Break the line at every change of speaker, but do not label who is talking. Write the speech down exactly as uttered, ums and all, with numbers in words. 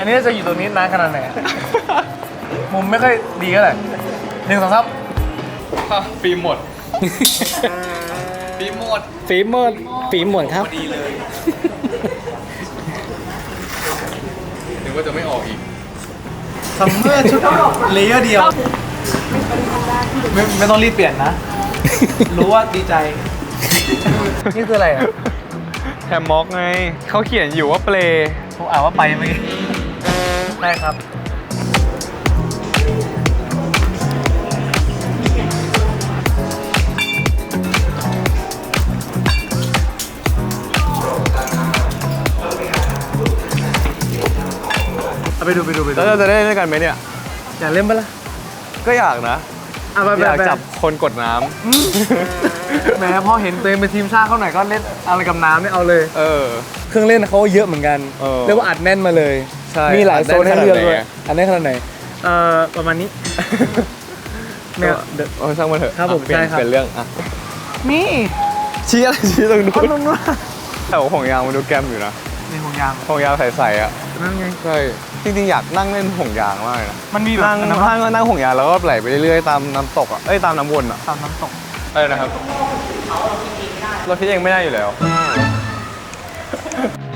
นี้จะอยู่ตรงนี้นานขนาดไหนมุมไม่ค่อยดีก็เลยหนึ่งสองสาม
ฟิล์มหมดฟิล์มหมด
ฟิล์มหมดฟิล์มหมดครับ
ดีเลยนึกว่าจะไม่ออกอีก
ซัมเมอร์ชุดเลเยอร์เดียวไม่ไม่ต้องรีบเปลี่ยนนะ รู้ว่าดีใจ นี่คืออะไรอ่ะ
แฮมม็อกไงเขาเขียนอยู่ว่าเปล
ผมอ่านว่าไปเมื่อกี้ได้ครับเอาไปดูไปดูไปดู
แล้วเราจะได้เล่นด้วยกันไหมเนี่ย
อยากเล่นปะล่ะ
ก็อยากนะอยากจับคนกดน้
ำแหมพอเห็นตัวเองเป็นทีมชาติเขาหน่อยก็เล่นอะไรกับน้ำเนี่ยเอาเลย
เออ
เครื่องเล่นเขาเยอะเหมือนกันเรียกว่าอัดแน่นมาเลยมีหลายโซนให้เลือกด้วยอันนี้ขนาดไหนเอ่อประมาณนี้
เนี่ยโอ้ช่างมันเถอะ
ครับผมใช่ครับ
เป็นเรื่องอ่ะ
นี่
ชี้อะไรชี้ตรงนู้นแต่ห่วงยางมันดูแกมอยู่นะ
นี่ห่วงยาง
ห่วงยางใสๆอ่ะ
นั่นไง
ใช่จริงๆอยากนั่งเล่นห่วงยางมากนะ
มันมีแบบ
นั่งนั่งนั่งห่วงยางแล้วก็ไหลไปเรื่อยๆตามน้ำตกอ่ะเอ้ยตามน้ำวนอ่ะ
ตามน้ำตก
อะไรนะครับเราคิดเองไม่ได้อยู่แล้ว